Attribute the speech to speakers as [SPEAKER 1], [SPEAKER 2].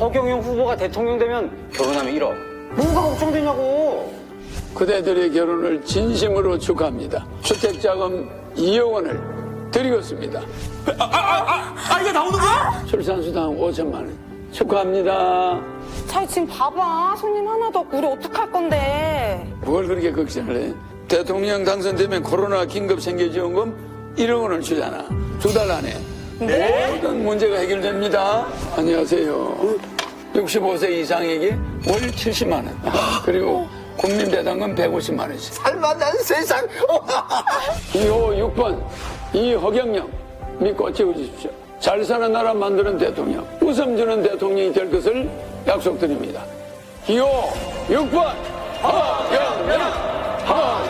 [SPEAKER 1] 허경영 후보가 대통령 되면 결혼하면 1억. 뭐가 걱정되냐고.
[SPEAKER 2] 그대들의 결혼을 진심으로 축하합니다. 주택자금 2억 원을 드리겠습니다.
[SPEAKER 3] 이게 나오는 거야?
[SPEAKER 2] 출산수당 5천만 원 축하합니다.
[SPEAKER 4] 자, 지금 봐봐. 손님 하나도 없고 우리 어떡할 건데.
[SPEAKER 2] 뭘 그렇게 걱정을 해? 대통령 당선되면 코로나 긴급 생계지원금 1억 원을 주잖아. 2달 안에. 모든 문제가 해결됩니다. 안녕하세요. 65세 이상에게 월 70만 원. 그리고 국민배당금 150만 원씩.
[SPEAKER 3] 살만한 세상.
[SPEAKER 2] 기호 6번 이허경영 믿고 채워주십시오. 잘 사는 나라 만드는 대통령, 웃음 주는 대통령이 될 것을 약속드립니다. 기호 6번 허경영.